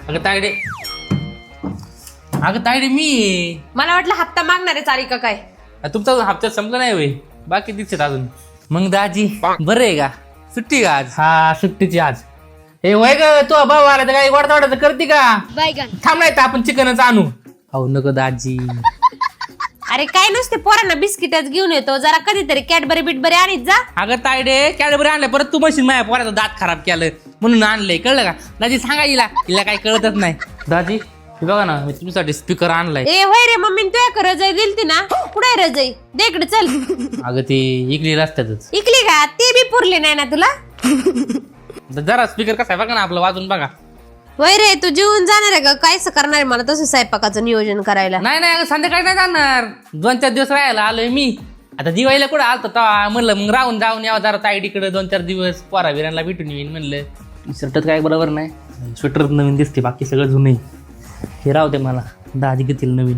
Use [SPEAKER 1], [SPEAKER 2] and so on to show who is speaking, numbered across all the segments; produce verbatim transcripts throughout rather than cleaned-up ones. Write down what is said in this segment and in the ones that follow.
[SPEAKER 1] अगं तायडे अगं तायडे मी
[SPEAKER 2] मला वाटलं हप्ता मागणार आहे चाली का काय.
[SPEAKER 1] तुमचा अजून हप्त्यात संपला नाही होय, बाकी दिसत अजून. मग दाजी बरं आहे का? सुट्टी का आज?
[SPEAKER 3] हा सुट्टीची आज. हे वय ग तू भाऊ आला तर काही वाढता वाढता करते का? थांब नाही तर आपण चिकनच आणू.
[SPEAKER 1] अहो नको दाजी.
[SPEAKER 2] अरे काय नसते पोरांना बिस्किटच घेऊन येतो, जरा कधीतरी कॅडबरी बिटबरी आणीत जा.
[SPEAKER 1] अगं तायडे कॅडबरी आणलं परत तू मशीन माझ्या पोराचा दात खराब केलं म्हणून आणलंय, कळलं का? दाजी सांगा हिला, हिला काही कळतच नाही. दाजी हे बघा ना, मी तुमच्यासाठी स्पीकर आणलाय.
[SPEAKER 2] ए होय रे मम्मी तू एक रजई दिलती ना, कुठे रजई दे इकडे चल.
[SPEAKER 1] अगं ते इकली रस्त्यातच.
[SPEAKER 2] इकली का? ते बी पुरली नाही ना तुला.
[SPEAKER 1] जरा स्पीकर कसा आहे बघा ना, आपलं वाजून बघा.
[SPEAKER 2] वय रे तू जेवून जाणार आहे का? कायच करणार आहे मला तसं स्वयंपाकाचं नियोजन करायला.
[SPEAKER 1] नाही नाही अगं संध्याकाळी नाही जाणार, दोन चार दिवस राहायला आलोय मी. आता दिवाळीला कुठं आलतो तेव्हा म्हणलं मग राहून जाऊन यावं जरा ताईडीकडे दोन चार दिवस, पोरा बिरांना भेटून येईन म्हणलं. शर्टात काय बरोबर नाही, स्वेटर नवीन दिसते, बाकी सगळं जुनं. हे राहते मला, दाजी घेतील नवीन.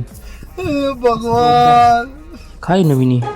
[SPEAKER 3] भगवान
[SPEAKER 1] काय नवीन आहे?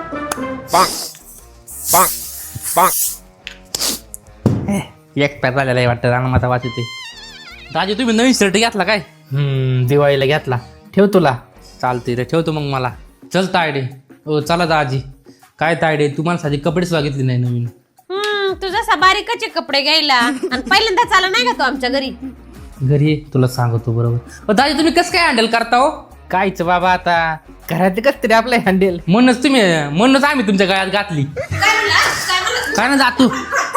[SPEAKER 1] एक्सपायर झालेला आहे वाटतं, रानामाता वाच येते. दाजी तुम्ही नवीन शर्ट घेतला काय?
[SPEAKER 3] हम्म दिवाळीला घेतला. ठेव तुला.
[SPEAKER 1] चालते रे, ठेवतो मग मला. चल तायडे. हो चला दाजी. काय तायडे तुम्हाला साधी कपडेच बघितली नाही नवीन.
[SPEAKER 2] हम्म तू जसा बारीकचे कपडे घ्यायला आणि पहिल्यांदा चाला नाही का तू आमच्या घरी?
[SPEAKER 1] घरी तुला सांगतो बरोबर. दाजी तुम्ही कसं काय हँडल करता हो?
[SPEAKER 3] कायच बाबा आता घरात कस तरी आपलं हँडल.
[SPEAKER 1] म्हणूनच तुम्ही म्हणूनच आम्ही तुमच्या गळ्यात घातली. काय ना जातू